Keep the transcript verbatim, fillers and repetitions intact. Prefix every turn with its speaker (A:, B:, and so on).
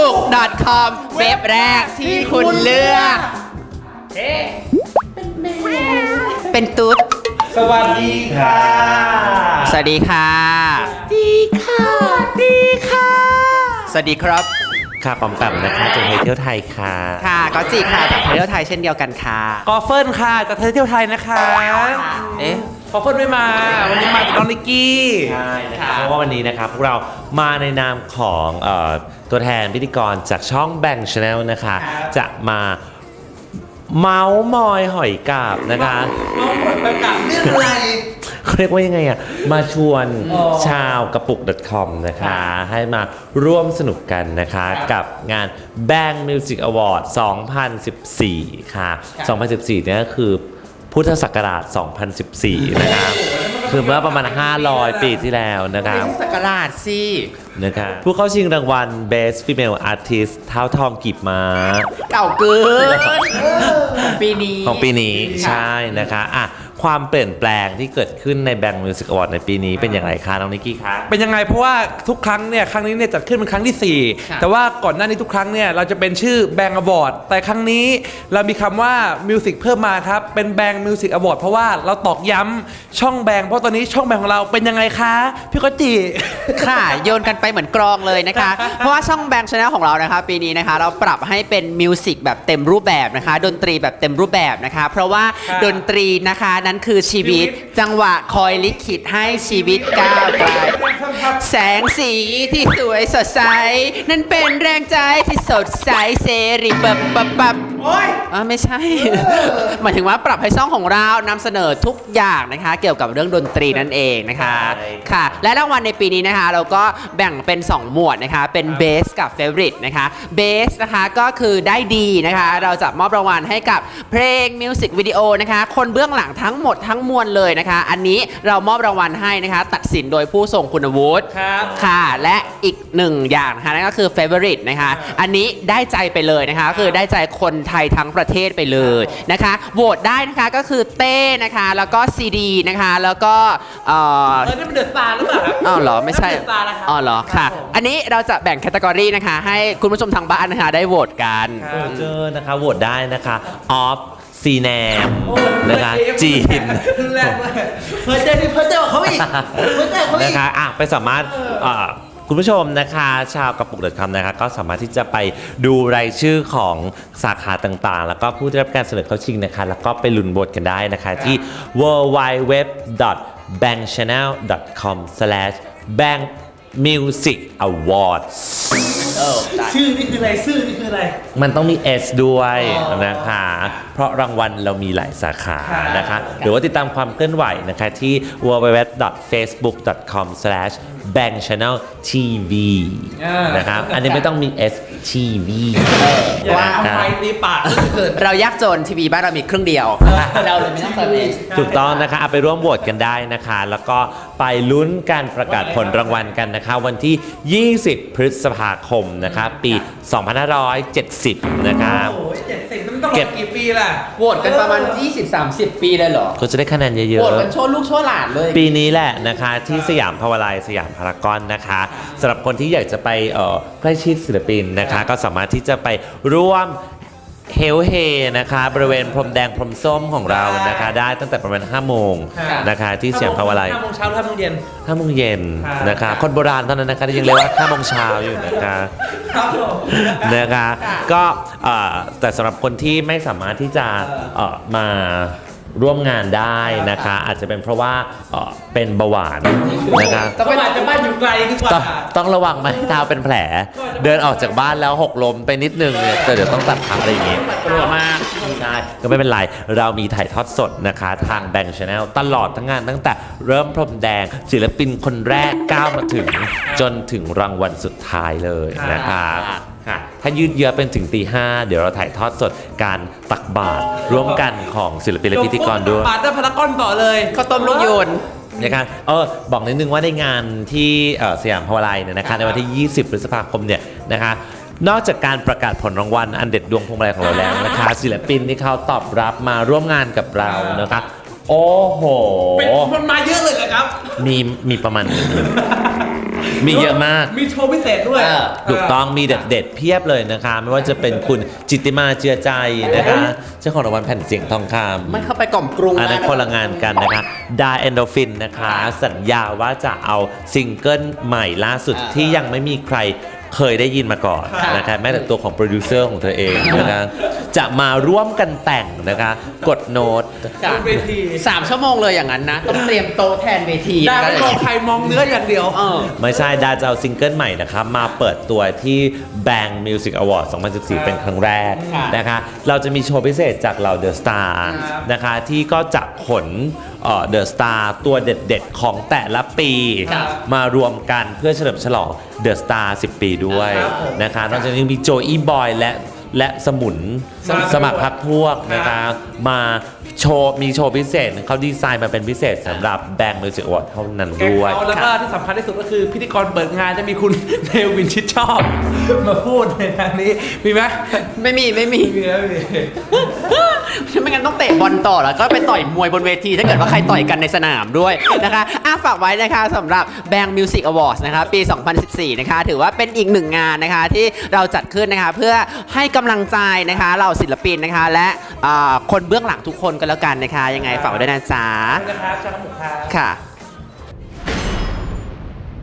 A: สุข .com เว็บแรกที่คุณเลือกเป็นตุ๊ด
B: สวัสดีค่ะ
A: สวัสดีค่ะดีค่ะดีค่ะสวัสดีครับ
C: ค่ะปอมแปมนะคะจากเที่ยวไทยค่ะ
A: ค่ะก็จีค่ะจากเที่ยวไทยเช่นเดียวกันค่ะ
B: กอเฟิลค่ะจากเที่ยวไทยนะคะ
A: เอ๊ะ
B: กอเฟิลไม่มาวันนี้มาจากน้องนิกกี้
C: ใช่นะคะเพราะว่าวันนี้นะครับพวกเรามาในนามของเอ่อตัวแทนพิธีกรจากช่องแบงค์ชาแนลนะคะจะมาเมาส์มอยหอยกาบนะคะ
B: เมาส์มอยหอยกาบเรื่องอะไร
C: เขาเรียกว่ายังไงอ่ะมาชวนชาวกระปุก .com นะคะให้มาร่วมสนุกกันนะคะกับงาน Bang Music Award สองพันสิบสี่ค่ะสองพันสิบสี่เนี่ยก็คือพุทธศักราชสองพันสิบสี่นะครับคือเมื่อประมาณห้าร้อยปีที่แล้วนะครับ
A: พุทธศักราชสิ
C: นะครับผู้เข้าชิงรางวัล Best Female Artist เท้าทองกีบม้า
A: เก่าเกินปีนี้
C: ของปีนี้ใช่นะคะอ่ะความเปลี่ยนแปลงที่เกิดขึ้นใน Bang Music Award ในปีนี้เป็นอย่างไรคะน้องนิกกี้คะ
B: เป็นยังไงเพราะว่าทุกครั้งเนี่ยครั้งนี้เนี่ยจัดขึ้นเป็นครั้งที่สี่แต่ว่าก่อนหน้านี้ทุกครั้งเนี่ยเราจะเป็นชื่อ Bang Award แต่ครั้งนี้เรามีคำว่า Music เพิ่มมาครับเป็น Bang Music Award เพราะว่าเราตอกย้ำช่อง Bang เพราะตอนนี้ช่อง Bang ของเราเป็นยังไงคะพี่ก็จี
A: ค่ะโยนกันไปเหมือนกรองเลยนะคะเพราะว่าช่อง Bang Channel ของเรานะคะปีนี้นะคะเราปรับให้เป็นมิวสิกแบบเต็มรูปแบบนะคะดนตรีแบบเต็มรูปแบบนะคะเพราะว่าดนตรีนะคะนั้นคือชีวิตจังหวะคอยลิขิตให้ชีวิตก้าวไกลแสงสีที่สวยสดใสนั่นเป็นแรงใจที่สดใสเสรีปับปับปับโอ้ยอ๋อไม่ใช่หมายถึงว่าปรับให้ช่องของเรานำเสนอทุกอย่างนะคะเกี่ยวกับเรื่องดนตรีนั่นเองนะคะค่ะและรางวัลในปีนี้นะคะเราก็แบ่งเป็นสองหมวดนะคะเป็นเบสกับเฟเวอริตนะคะเบสนะคะก็คือได้ดีนะคะเราจะมอบรางวัลให้กับเพลงมิวสิกวิดีโอนะคะคนเบื้องหลังทั้งหมดทั้งมวลเลยนะคะอันนี้เรามอบรางวัลให้นะคะตัดสินโดยผู้ทรงคุณวุฒิค่ะและอีกหนึ่งอย่างนะคะนั่นก็คือเฟเวอริตนะคะอันนี้ได้ใจไปเลยนะคะคือได้ใจคนไทยทั้งประเทศไปเลยนะคะโหวตได้นะคะก็คือเต้นะคะแล้วก็ซีดีนะคะแล้วก็เออ
B: เออนี่มันเดือดตาหรือเปล่า
A: อ๋อเหรอไม่ใช่อ๋อเหรอค่ะอันนี้เราจะแบ่งแคตตากรีนะคะให้คุณผู้ชมทางบ้านนะคะได้โหวตกัน
C: เจอนะคะโหวตได้นะคะออฟซีแนมนะคะจีน
B: เพิ่มเจอที่เพิ่มเจอเขาอีกเพิ่มเจอเขาอีก
C: นะคะอ่ะไปสามารถคุณผู้ชมนะคะชาวกระปุก .com นะคะก็สามารถที่จะไปดูรายชื่อของสาขาต่างๆแล้วก็ผู้ได้รับการเสนอเข้าชิงนะคะแล้วก็ไปลุ้นโหวตกันได้นะคะที่ ดับเบิลยู ดับเบิลยู ดับเบิลยู ดอท แบงค์ชาแนล ดอท คอม สแลช แบงค์ มิวสิก อวอร์ด
B: ชื่อนี่คืออะไรชื่อนี่คืออะไร
C: มันต้องมี S ด้วยนะคะเพราะรางวัลเรามีหลายสาขานะคะหรือว่าติดตามความเคลื่อนไหวนะคะที่ ดับเบิลยู ดับเบิลยู ดับเบิลยู ดอท เฟซบุ๊ก ดอท คอม สแลช แบงค์ ชาแนล ที วี นะครับอันนี้ไม่ต้องมี S ที วี
B: ว่าไปตีปาก
A: เรายากจนทีวีบ้านเรามีเครื่องเดียวเราเลยไม่ต้องเติม S
C: ถูกต้องนะคะเอาไปร่วมโหวตกันได้นะคะแล้วก็ไปลุ้นการประกาศผลรางวัลกันนะคะวันที่ยี่สิบพฤษภาคมนะคะปีสองพันห้าร้อยเจ็ดสิบนะครับ
B: โอ้ยเจ็ดสิบมันต้องรอกี่ปีล่ะ
A: โหวตกันประมาณ ยี่สิบถึงสามสิบ ปีเลยเหรอ
C: ก็จะได้คะแนนเยอะๆ
A: โหวตกันโชว์ลูกโชว์หลานเลย
C: ปีนี้แหละนะคะที่สยามภาวไลสยามพารากอนนะคะสำหรับคนที่อยากจะไปเอ่อใกล้ชิดศิลปินนะคะก็สามารถที่จะไปร่วมเฮลเฮนะคะบริเวณพรมแดงพรมส้มของเรานะคะได้ตั้งแต่ประมาณห้าโมงนะคะที่สยามภาวไล
B: ห้าโมงเช้าห้าโมงเย็น
C: ห้าโมงเย็นนะคะคนโบราณเท่านั้นนะคะที่ยังเรียกว่าห้าโมงเช้าอยู่นะคะนะคะก็แต่สำหรับคนที่ไม่สามารถที่จะมาร่วมงานได้นะคะอาจจะเป็นเพราะว่าเป็นเบาหวานนะคะ
B: ต้องอาจจะบ้านอยู่ไกลดีกว่า
C: ต้องระวังไม่ให้เท้าเป็นแผลเดินออกจากบ้านแล้วหกล้มไปนิดนึงเนี่ยแต่เดี๋ยวต้องตัดขาอะไรอย่างเงี้ย
A: กลัวมาก
C: ใช่ก็ไม่เป็นไรเรามีถ่ายทอดสดนะคะทาง Bang Channel ตลอดทั้งงานตั้งแต่เริ่มพรมแดงศิลปินคนแรกก้าวมาถึงจนถึงรางวัลสุดท้ายเลยนะคะถ้ายืดเยื้อเป็นถึงตีห้าเดี๋ยวเราถ่ายทอดสดการตักบาตรร่วมกันของศิลปินและพิธีกรด้วย
B: บาตรได้พารากอนต่อเลย
A: ข้าวต้มลูกโยน
C: นะครับเออบอกนิดนึงว่าในงานที่สยามภาวไลเนี่ยนะคะในวันที่ยี่สิบพฤษภาคมเนี่ยนะคะนอกจากการประกาศผลรางวัลอันเด็ดดวงพวงมาลัยของเราแล้วนะคะศิลปินที่เขาตอบรับมาร่วมงานกับเรานะคะโอ้โห
B: เป็นคนมาเยอะเลยครับ
C: มีมีประมาณมีเยอะมาก
B: มีโชว์พิเศษด้วย
A: เออ
C: ถูกต้องมีเด็ดๆเพียบเลยนะคะ ไม่ว่าจะเป็นคุณจิตติมาเจือใจนะคะเจ้าของรางวัลแผ่นเสียงทองคำ
A: ไม่เข้าไปกล่อมกรุง
C: อันนั้นคนละงานกันนะคะดาเอนโดฟินนะคะ สัญญาว่าจะเอาซิงเกิลใหม่ล่าสุด
A: อ่า
C: ที่ยังไม่มีใครเคยได้ยินมาก่อน
A: ค่ะ
C: นะคะแม้แต่ตัวของโปรดิวเซอร์ของเธอเองนะคะจะมาร่วมกันแต่งนะคะ กดโน้ต
A: ค่ะ
B: บนเวที
A: สามชั่วโมงเลยอย่างนั้นนะ ต้องเตรียมโต๊ะแทนเวที
B: ดา
A: นะ
B: ไม่มองใครมองเนื้ออย่างเดียว
A: เออ
C: ไม่ใช่ดาจะเอาซิงเกิลใหม่นะคะมาเปิดตัวที่ Bang Music Award สองพันสิบสี่ เป็นครั้งแรก
A: ค่ะ
C: นะคะเราจะมีโชว์พิเศษจากเราเดอะสตาร์
B: ครับ
C: นะคะที่ก็จะขนเดอะสตาร์ตัวเด็ดๆของแต่ละปี
A: ครับ
C: มารวมกันเพื่อเฉลิมฉลองเดอะสตาร์สิบ ปีด้วย
B: ครับผม
C: นะคะนอกจากนี้ยังมีโจอี้บอยและและสมุน
B: สมัคร
C: สมัครพักพวกนะคะ มาโชว์มีโชว์พิเศษเขาดีไซน์มาเป็นพิเศษสำหรับ Bang Music Award เท่านั้น
B: แกง
C: ด้วย
B: เขาแล้วก็ที่สำคัญที่สุดก็คือพิธีกรเปิดงานจะมีคุณ เนวินชิดชอบ มาพูดในทางนี้ มีไหม
A: ไม่มีไม่มี
B: มีแล้วมี
A: ไม่งั้นต้องเตะบอลต่อแล้วก็ไปต่อยมวยบนเวที ถ้าเกิดว่าใครต่อยกันในสนามด้วยนะคะอ่ะฝากไว้นะคะสำหรับ Bang Music Awards นะคะปี สองพันสิบสี่ นะคะ ถือว่าเป็นอีกหนึ่งงานนะคะที่เราจัดขึ้นนะคะเพื่อให้กำลังใจนะคะเราศิลปินนะคะและอ่าคนเบื้องหลังทุกคนกันแล้วกันนะคะ ยังไงฝากไว้ด้วยนะจ๊ะ
B: นะครับชาขมุกครับ
A: ค่ะ